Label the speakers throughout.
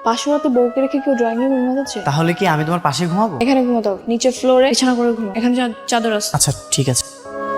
Speaker 1: পাশের রাতে বউকে রেখে কেউ ড্রয়িং রুমে ঘুমাচ্ছে?
Speaker 2: তাহলে কি আমি তোমার পাশে ঘুমাবো?
Speaker 1: এখানে ঘুমাতে হবে, নিচের ফ্লোরে বিছানা করে ঘুমো, এখানে চাদর আছে।
Speaker 2: আচ্ছা ঠিক আছে।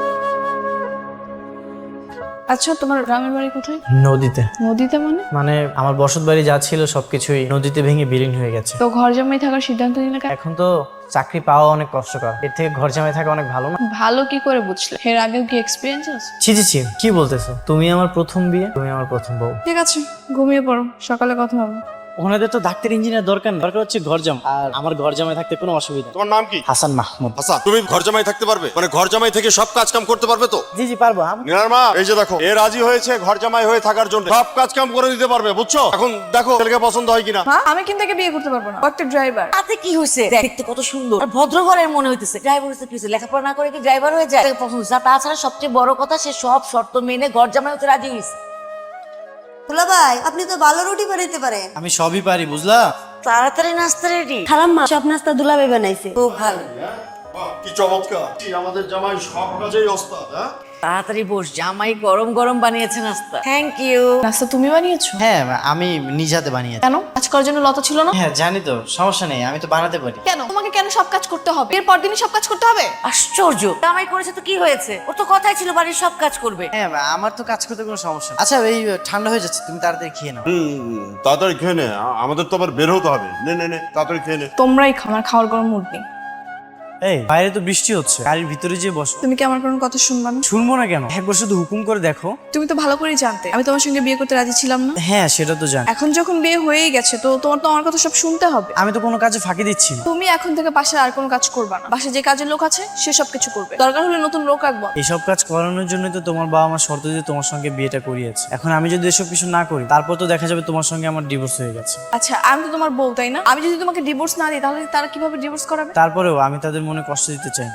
Speaker 1: আচ্ছা, তোমার গ্রামের বাড়ি কোথায়?
Speaker 2: নদীতে।
Speaker 1: নদীতে মানে?
Speaker 2: মানে আমার বসত বাড়ি যা ছিল সবকিছুই নদীতে ভেঙে বিলীন হয়ে গেছে।
Speaker 1: তো ঘর জামাই থাকার সিদ্ধান্ত নিলে কেন?
Speaker 2: এখন তো চাকরি পাওয়া অনেক কষ্টকর, এর থেকে ঘর জামাই থাকা অনেক ভালো না?
Speaker 1: ভালো কি করে বুঝলে? এর আগেও কি এক্সপিরিয়েন্স আছে?
Speaker 2: ছি ছি ছি, কি বলতেছো? তুমি আমার প্রথম বিয়ে, তুমি আমার প্রথম বউ।
Speaker 1: ঠিক আছে, ঘুমিয়ে পড়ো, সকালে কথা হবে।
Speaker 2: ওনাদের তো ডাক্তার ইঞ্জিনিয়ার দরকার না, দরকার হচ্ছে ঘর জামাই। আর আমার ঘর জামাই থাকতে কোনো অসুবিধা নেই।
Speaker 3: তোমার নাম কি?
Speaker 2: হাসান মাহমুদ।
Speaker 3: হাসান, তুমি ঘর জামাই থাকতে পারবে? মানে ঘর জামাই থেকে সব কাজ কাম করতে পারবে তো?
Speaker 2: জি জি পারবো।
Speaker 3: নীলার মা, এই যে দেখো, এ রাজি হয়েছে ঘর জামাই হয়ে থাকার জন্য, সব কাজ কাম করে দিতে পারবে, বুঝছো? এখন দেখো ছেলেকে পছন্দ হয় কিনা।
Speaker 1: মা, আমি কিন্তু একে বিয়ে করতে পারবো না, ও একটা ড্রাইভার।
Speaker 4: তাতে কি হয়েছে? দেখতে কত সুন্দর আর ভদ্র ঘরের মনে হইতেছে। ড্রাইভার হচ্ছে কি হয়েছে? লেখাপড়া না করে কি ড্রাইভার হয়ে যায়? তাকে পছন্দ হয়েছে। আর তাছাড়া সবচেয়ে বড় কথা, সে সব শর্ত মেনে ঘর জামাই হতে রাজি হয়েছে।
Speaker 5: দুলা ভাই, আপনি তো ভালো রুটি বানাইতে পারেন।
Speaker 2: আমি সবই পারি, বুঝলা?
Speaker 4: তাড়াতাড়ি নাস্তা রেডি।
Speaker 5: খালাম্মা সব নাস্তা দুলা ভাই বানাইছে, খুব ভালো।
Speaker 3: বাহ, কি চমৎকার! আমাদের জামাই সব কাজেই ওস্তাদ। হ্যাঁ,
Speaker 4: তাড়াতাড়ি বস, জামাই গরম গরম বানিয়েছে নাস্তা। Thank you.
Speaker 1: নাস্তা তুমি বানিয়েছো?
Speaker 2: হ্যাঁ, আমি নিজ হাতে বানিয়েছি।
Speaker 1: কেন? কাজ করার জন্য লতা ছিল না?
Speaker 2: হ্যাঁ জানি তো, সমস্যা নেই, আমি তো বানাতে পারি।
Speaker 1: কেন তোমাকে কেন সব কাজ করতে হবে? এর পর দিনই সব কাজ করতে হবে?
Speaker 4: আশ্চর্য, জামাই করেছে তো কি হয়েছে? ওর তো কথাই ছিল বাড়ির সব কাজ করবে।
Speaker 2: হ্যাঁ, আমার তো কাজ করতে কোনো সমস্যা নেই। আচ্ছা, এই ঠান্ডা হয়ে যাচ্ছে, তুমি তাড়াতাড়ি খেয়ে নাও।
Speaker 3: তাড়াতাড়ি খেয়ে নে, আমাদের তো আবার বের হতে হবে। নে নে নে, তাড়াতাড়ি খেয়ে নে।
Speaker 1: তোমরাই খাও, আমার খাওয়ার কোনো মুড নেই।
Speaker 2: এই বাইরে তো বৃষ্টি হচ্ছে, গাড়ির ভিতরে যে বসো।
Speaker 1: তুমি কি আমার কোনো কথা শুনবা না?
Speaker 2: শুনবো না কেন? একবার শুধু হুকুম করে দেখো।
Speaker 1: তুমি তো ভালো করেই জানতে আমি তোমার সঙ্গে বিয়ে করতে রাজি ছিলাম না।
Speaker 2: হ্যাঁ সেটা তো জানি।
Speaker 1: এখন যখন বিয়ে হয়েই গেছে, তো তোমার তো আমার কথা সব শুনতে হবে।
Speaker 2: আমি তো কোনো কাজে ফাঁকি দিচ্ছি না।
Speaker 1: তুমি এখন থেকে বাসায় আর কোনো কাজ করবা না। বাসায় যে কাজের লোক আছে সে সব কিছু করবে, দরকার হলে নতুন লোক রাখবো।
Speaker 2: এইসব কাজ করানোর জন্য তো তোমার বাবা আমার শর্ত দিয়ে তোমার সঙ্গে বিয়েটা করিয়েছে। এখন আমি যদি এসব কিছু না করি, তারপর তো দেখা যাবে তোমার সঙ্গে আমার ডিভোর্স হয়ে গেছে।
Speaker 1: আচ্ছা, আমি তো তোমার বউ, তাই না? আমি যদি তোমাকে ডিভোর্স না দিই, তাহলে তারা কিভাবে ডিভোর্স করাবে?
Speaker 2: তারপরেও আমি তাদের মনে কষ্ট দিতে চাই না।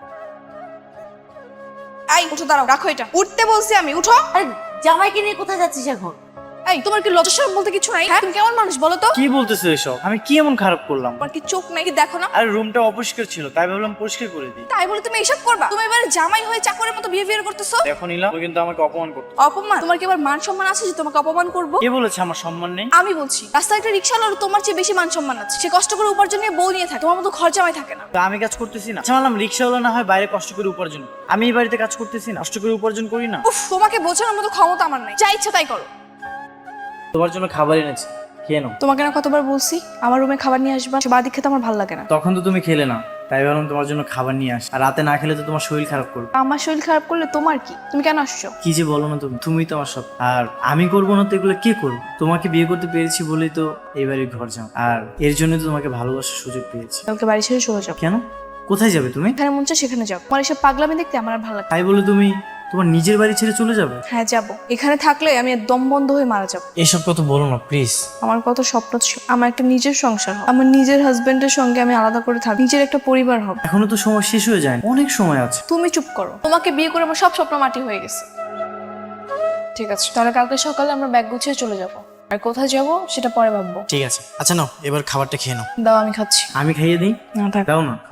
Speaker 1: এই উঠো, দাঁড়াও, রাখো এটা। উঠতে বলছি আমি, উঠো।
Speaker 4: আরে জামাইকে নিয়ে কোথায় যাচ্ছিস এখন?
Speaker 1: এই, তোমার কি লজ্জা শরম বলতে কিছু নাই? হ্যাঁ, তুমি কেমন মানুষ বলো তো?
Speaker 2: কি বলতেছো এসব? আমি কি এমন খারাপ করলাম?
Speaker 1: তোমার কি চোখ নাই, কি দেখো না?
Speaker 2: আর রুমটা অপরিষ্কার ছিল, তাই ভাবলাম পরিষ্কার করে দিই।
Speaker 1: তাই বলে তুমি এসব করবা? তুমি এবারে জামাই হয়ে চাকরের মতো বিহেভিয়ার করতেছো।
Speaker 2: দেখো নিলাম, ও কিন্তু আমাকে অপমান করতো।
Speaker 1: অপমান? তোমার কি এবার মান সম্মান আছে যে তোমাকে অপমান করবো?
Speaker 2: কে বলেছে আমার সম্মান নেই?
Speaker 1: আমি বলছি, রাস্তায় একটা রিক্সাওয়ালার তোমার চেয়ে বেশি মান সম্মান আছে। সে কষ্ট করে উপার্জন নিয়ে বউ নিয়ে থাকে, তোমার মতো ঘর জামাই থাকে না।
Speaker 2: তো আমি কাজ করতেছি না? আচ্ছা মানলাম রিক্সাওয়ালা না হয় বাইরে কষ্ট করে উপার্জন করে। আমি এই বাড়িতে কাজ করতেছি না, কষ্ট করে উপার্জন করি না?
Speaker 1: উফ, তোমাকে বোঝানোর মতো ক্ষমতা আমার নাই। যা ইচ্ছা তাই করো।
Speaker 2: তোমার জন্য খাবার এনেছি, খেয়ে নাও।
Speaker 1: তোমাকে না কতবার বলছি আমার রুমে খাবার নিয়ে আসবা? সে বাদিক খেতে আমার ভালো লাগে না।
Speaker 2: তখন তো তুমি খেলে না, তাই ভাবলাম তোমার জন্য খাবার নিয়ে আস। আর রাতে না খেলে তো তোমার শরীর খারাপ করবে।
Speaker 1: আমার শরীর খারাপ করলে তোমার কি? তুমি কেন আসছো?
Speaker 2: কি যে বলো না তুমি, তুমিই তো আমার সব। আর আমি করবো না তো এগুলো কে করবো? তোমাকে বিয়ে করতে পেরেছি বলেই তো এই বাড়ির ঘর যাও, আর এর জন্য তো তোমাকে ভালোবাসার সুযোগ পেয়েছি।
Speaker 1: কালকে বাড়ি ছেড়ে চলে যাও।
Speaker 2: কেন? কোথায় যাবে তুমি?
Speaker 1: এখানে মন চায় সেখানে যাও। তোমার এসব পাগলামি দেখতে আমার আর ভালো লাগে না।
Speaker 2: তাই বলে তুমি তোমার নিজের বাড়ি ছেড়ে চলে যাবে?
Speaker 1: হ্যাঁ, যাবো। এখানে থাকলে আমি দম বন্ধ হয়ে মারা যাবো।
Speaker 2: এসব কথা বলো না প্লিজ।
Speaker 1: আমার কত স্বপ্ন ছিল, আমার একটা নিজের সংসার হবে, আমার নিজের হাজবেন্ডের সঙ্গে আমি আলাদা করে থাকবো, নিজের একটা পরিবার হবে।
Speaker 2: এখনো তো সময় শেষ হয়ে যায়, অনেক সময় আছে।
Speaker 1: তুমি চুপ করো। তোমাকে বিয়ে করে আমার সব স্বপ্ন মাটি হয়ে গেছে। ঠিক আছে, তাহলে কালকে সকালে আমরা ব্যাগ গুছিয়ে চলে যাবো। আর কোথায় যাবো সেটা পরে ভাববো।
Speaker 2: ঠিক আছে, আচ্ছা নাও এবার খাবারটা খেয়ে নাও।
Speaker 1: দাও, আমি খাচ্ছি।
Speaker 2: আমি খাইয়ে দিই?
Speaker 1: না থাক।
Speaker 2: দাও না।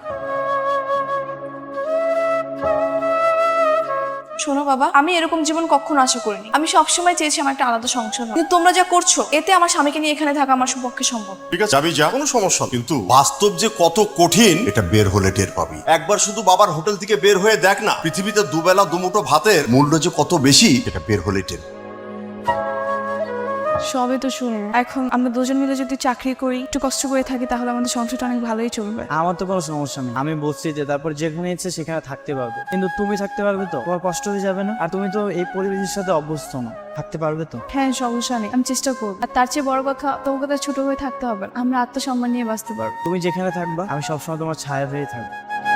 Speaker 1: শোনো বাবা, আমি এরকম জীবন কখনো আশা করিনি। আমি সবসময় চেয়েছি আমার একটা আলাদা সংসার হবে। কিন্তু তোমরা যা করছো, এতে আমার স্বামীকে নিয়ে এখানে থাকা আমার পক্ষে সম্ভব।
Speaker 3: ঠিক আছে, যাবি যা, কোনো সমস্যা নেই। কিন্তু বাস্তব যে কত কঠিন এটা বের হলে টের পাবি। একবার শুধু বাবার হোটেল থেকে বের হয়ে দেখ না, পৃথিবীতে দুবেলা দুমুঠো ভাতের মূল্য যে কত বেশি এটা বের হলে টের।
Speaker 1: সবে তো শুনো, এখন আমরা দুজন মিলে যদি চাকরি করি, একটু কষ্ট করে থাকি, তাহলে আমাদের সংসারটা অনেক ভালোই চলবে।
Speaker 2: আমার তো কোনো সমস্যা নেই, আমি বলছি যে তারপর যেখানে ইচ্ছে সেখানে থাকতে পারবে। কিন্তু তুমি থাকতে পারবে তো? তোমার কষ্ট হয়ে যাবে না? আর তুমি তো এই পরিবেশের সাথে অভ্যস্ত না, থাকতে পারবে তো?
Speaker 1: হ্যাঁ, সমস্যা নেই, আমি চেষ্টা করবো। আর তার চেয়ে বড় কথা, তোমাকে তো ছোট হয়ে থাকতে হবে না। আমরা আত্মসম্মান নিয়ে বাঁচতে পারবো।
Speaker 2: তুমি যেখানে থাকবা আমি সবসময় তোমার ছায়া হয়ে থাকবো।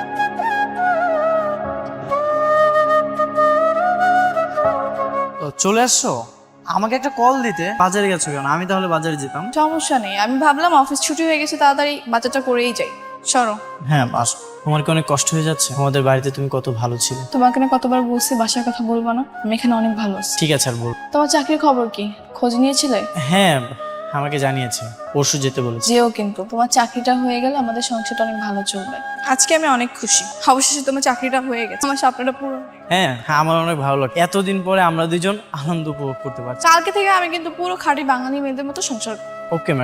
Speaker 2: তো চলে আসছো? আমাকে একটা কল দিতে। বাজারে গেছো কেন? আমি তাহলে বাজারে যেতাম।
Speaker 1: সমস্যা নেই, আমি ভাবলাম অফিস ছুটি হয়ে গেছে, তাড়াতাড়ি বাচ্চাটা করেই যাই। সরো।
Speaker 2: হ্যাঁ বাস। তোমার কি অনেক কষ্ট হয়ে যাচ্ছে? আমাদের বাড়িতে তুমি কত ভালো ছিলে।
Speaker 1: তোমাকে না কতবার বলছি বাসার কথা বলবো না, আমি এখানে অনেক ভালো আছি।
Speaker 2: ঠিক আছে আর বল।
Speaker 1: তোমার চাকরির খবর কি? খোঁজ নিয়েছিলে?
Speaker 2: হ্যাঁ আমাকে জানিয়েছে, পরশু যেতে বলেছে।
Speaker 1: যেও, কিন্তু তোমার চাকরিটা হয়ে গেলে আমাদের সংসারটা অনেক ভালো চলবে। আজকে আমি অনেক খুশি, অবশেষে তোমার চাকরিটা হয়ে গেছে, আমার স্বপ্নটা পুরো।
Speaker 2: হ্যাঁ আমার অনেক ভালো লাগে, এতদিন পরে আমরা দুজন আনন্দ উপভোগ করতে পারছি।
Speaker 1: কালকে থেকে আমি কিন্তু পুরো খাঁটি বাঙালি মেয়েদের মতো সংসার।
Speaker 2: Okay madam.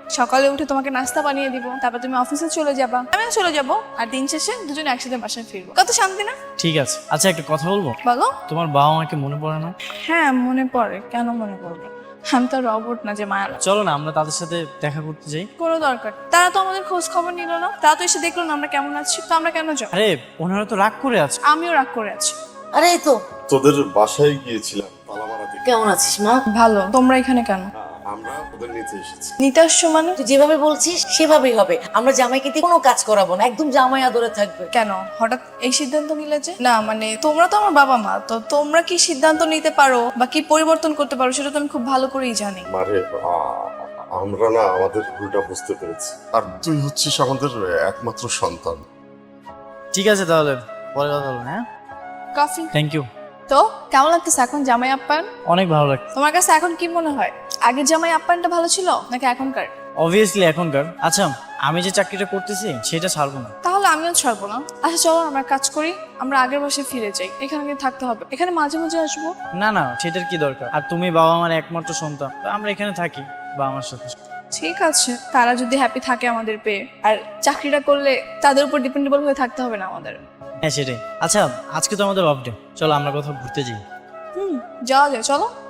Speaker 1: সকালে উঠে তোমাকে নাস্তা বানিয়ে দিব, তারপর তুমি অফিসে চলে যাবা, আমিও চলে যাব, আর দিন শেষে দুজনে একসাথে বাসায় ফিরবো। কত শান্তি না?
Speaker 2: ঠিক আছে। আচ্ছা একটা কথা বলবো,
Speaker 1: বলো।
Speaker 2: তোমার বাবা মাকে মনে পড়ে না?
Speaker 1: হ্যাঁ মনে পড়ে, কেন মনে পড়বে? আমি তো রবট না যে মায়া লাগবে।
Speaker 2: চলো না আমরা তাদের সাথে দেখা করতে যাই।
Speaker 1: কোনো দরকার, তারা তো আমাদের খোঁজ খবর নিল না, তারা তো এসে দেখলো না আমরা কেমন আছি, তো আমরা কেন যাবো?
Speaker 2: আরে ওনারা তো রাগ করে আছে।
Speaker 1: আমিও রাগ করে আছি।
Speaker 4: আরে এই তো
Speaker 3: তোদের বাসায় গিয়েছিলাম তালামারা দিকে।
Speaker 4: কেমন আছিস মা?
Speaker 1: ভালো, তোমরা এখানে কেন?
Speaker 3: আমরা ওদের নিতে এসেছি।
Speaker 1: নিতে আসছো মানে?
Speaker 4: তুই যেভাবে বলছিস সেভাবেই হবে। আমরা জামাইকে দিয়ে কোনো কাজ করাবো না, একদম জামাই আদরে থাকবে।
Speaker 1: কেন হঠাৎ এই সিদ্ধান্ত নিলে যে? না মানে তোমরা তো আমার বাবা মা, তো তোমরা কি সিদ্ধান্ত নিতে পারো বা কি পরিবর্তন করতে পারো সেটা তো আমি খুব ভালো করেই জানি।
Speaker 3: মারে আমরা না আমাদের ভুলটা বুঝতে পেরেছি, আর তুই হচ্ছিস আমাদের একমাত্র সন্তান।
Speaker 2: ঠিক আছে তাহলে পরে কথা বলবো। হ্যাঁ
Speaker 1: কফি।
Speaker 2: Thank you.
Speaker 1: তো কেমন লাগতেছে এখন জামাই আপ্যায়ন?
Speaker 2: অনেক ভালো লাগছে।
Speaker 1: তোমার কাছে এখন কি মনে হয়, আগের জামাই আপ্যায়নটা ভালো ছিল নাকি এখনকার?
Speaker 2: অবভিয়াসলি এখনকার। আচ্ছা আমি যে চাকরিটা করতেছি সেটা ছাড়বো না।
Speaker 1: তাহলে আমিও ছাড়বো না। আচ্ছা চলো আমরা কাজ করি, আমরা আগের বাসায় ফিরে যাই, এখানে গিয়ে থাকতে হবে, এখানে মাঝে মাঝে আসবো।
Speaker 2: না না সেটার কি দরকার, আর তুমি বাবা আমার একমাত্র সন্তান, তো আমরা এখানে থাকি বা আমার সাথে।
Speaker 1: ঠিক আছে, তারা যদি হ্যাপি থাকে আমাদের পেয়ে, আর চাকরিটা করলে তাদের উপর ডিপেন্ডেবল হয়ে থাকতে হবে না আমাদের।
Speaker 2: হ্যাঁ সেটাই। আচ্ছা আজকে তো আমাদের অফ ডে, চলো আমরা কোথাও ঘুরতে যাই।
Speaker 1: যাওয়া যায়, চলো।